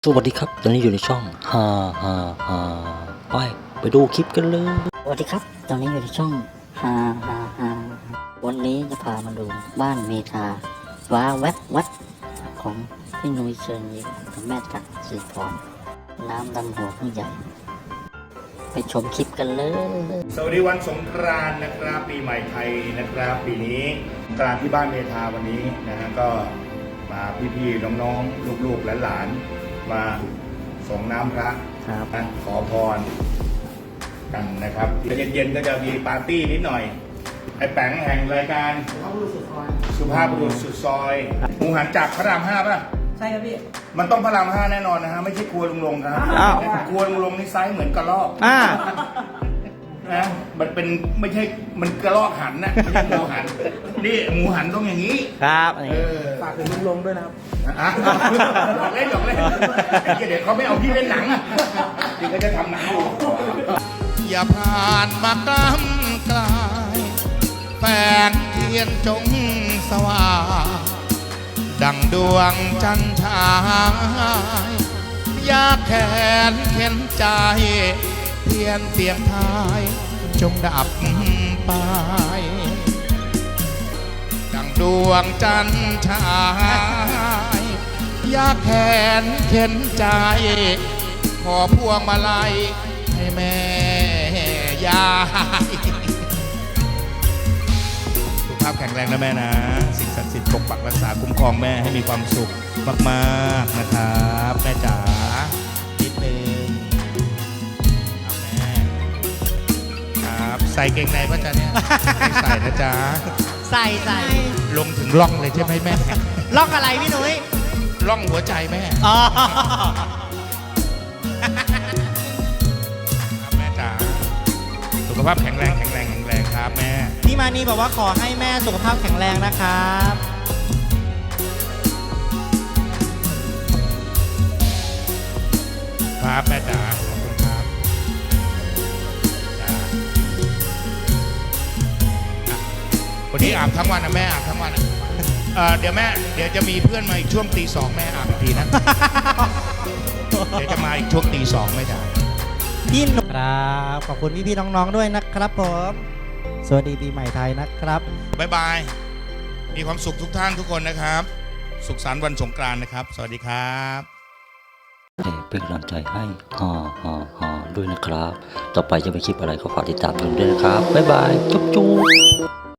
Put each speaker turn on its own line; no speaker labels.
สวัสดีครับตอนนี้อยู่ในช่องฮ่าฮ่าฮ่าไปดูคลิปกันเลยสวัสดีครับตอนนี้อยู่ในช่องฮ่าฮ่าฮ่าวันนี้จะพามาดูบ้านเมธาว้าแวบวัดของพี่นุ้ยเชิญยิ้มกับแม่ตักสีทองน้ำดำหัวผู้ใหญ่ไปชมคลิปกันเลย
สวัสดีวันสงกรานต์นะครับปีใหม่ไทยนะครับปีนี้สงกรานต์ที่บ้านเมธาวันนี้นะฮะก็มาพี่ๆน้องๆลูกๆหลานๆมาส่งน้ำพระนะขอพรกันนะครับเย็นๆก็จะมีปาร์ตี้นิดหน่อยไอ้แป๋งแห่งรายการสุภาพบุรุษสุดซอยหมูหันจากพระราม5ป่ะ
ใช่ครับพี่
มันต้องพระราม5แน่นอนนะฮะไม่ใช่ครัวลุงลงครับครัวลุงลงนี่ไซส์เหมือนกระรอกนะมันเป็นไม่ใช่มันกระรอกหันนะไม่ใช่หมูหันนี่หมูหันต้องอย่างนี้
ครับ
ฝากถึงลุงลงด้วยนะครับ
หยอกเล่นเดี๋ยวเขาไม่เอาพี่เล่นหนังพี่ก็จะทำหนังอย่าผ่านมากล้ำกลายแฝงเทียนจงสว่างดังดวงจันทรายอยากแขนเข็นใจเทียนเสียงทายจงดับไปดังดวงจันทรายอยากแขนเข็นใจขอพวงมาลัยให้แม่ยายสุขภาพแข็งแรงนะแม่นะสิ่งศักดิ์สิทธิ์ปกปักรักษาคุ้มครองแม่ให้มีความสุขมากๆนะครับแม่จ๋านิดนึงครับแม่ครับใส่เกงในป่ะจ๊ะเนี่ยไม่ใส่นะจ๊ะ
ใส่
ลงถึงร่องเลยใช่ไหมแม่
ล่องอะไรพี่นุ้ย
ร่องหัวใจแม่ครับแม่จ๋าสุขภาพแข็งแรงครับแม่
พี่มานีบอกว่าขอให้แม่สุขภาพแข็งแรงนะครับ
ครับแม่จ๋าขอบคุณครับวันนี้อาบทั้งวันนะแม่อาบทั้งวันเดี๋ยวจะมีเพื่อนมาอีกช่วงตี 2แม่อาบอีกทีนะเดี๋ยวจะมาอีกช่วงตี 2ไม่ได้
พี่นุครับขอบคุณพี่น้องๆด้วยนะครับผมสวัสดีปีใหม่ไทยนะครับ
บ๊ายบายมีความสุขทุกท่านทุกคนนะครับสุขสันต์วันสงกรานต์นะครับสวัสดีครับ
เป็นกำลังใจให้ฮ่าด้วยนะครับต่อไปจะไปคลิปอะไรก็ฝากติดตามด้วยนะครับบ๊ายบายจุ๊บ